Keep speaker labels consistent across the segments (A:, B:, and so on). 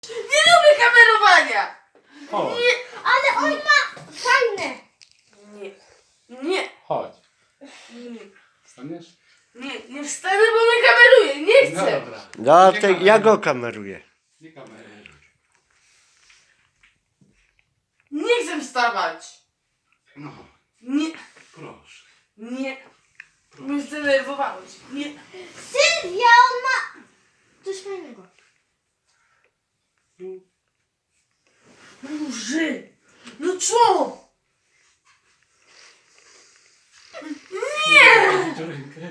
A: Nie lubię kamerowania!
B: Chodź.
A: Nie,
C: Ale on ma fajne.
A: nie, nie,
B: Chodź.
A: nie,
B: Staniesz?
A: nie wstanę, bo mnie kameruje, nie
B: No
A: chcę.
B: dobra.
D: No,
B: Nie
D: to
B: kameruj.
D: ja go kameruję.
B: Nie kameruj.
A: Nie chcę wstawać.
B: No,
A: Nie,
B: proszę.
A: nie. Mnie zdenerwowałeś. Nie.
C: Sylwia, on ma coś fajnego.
A: Boże! No co? Nie!
B: Daj rękę.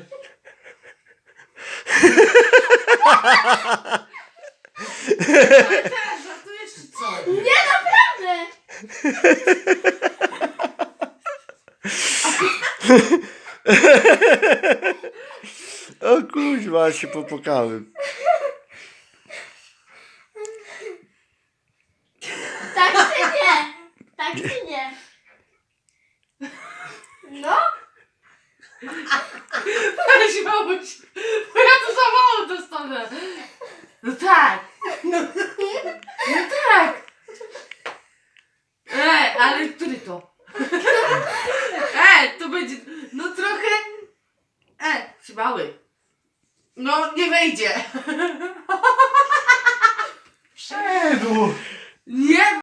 A: Teraz żartujesz czy co?
C: Nie, naprawdę.
D: O kuźwa, się popłakałem.
C: Tak czy nie? Tak czy nie? No?
A: Weź mamuś, bo ja to za mało dostanę. No tak. No tak. Ale który to? To będzie, no trochę, przybały. No nie wejdzie.
B: Wszedł!
A: Nie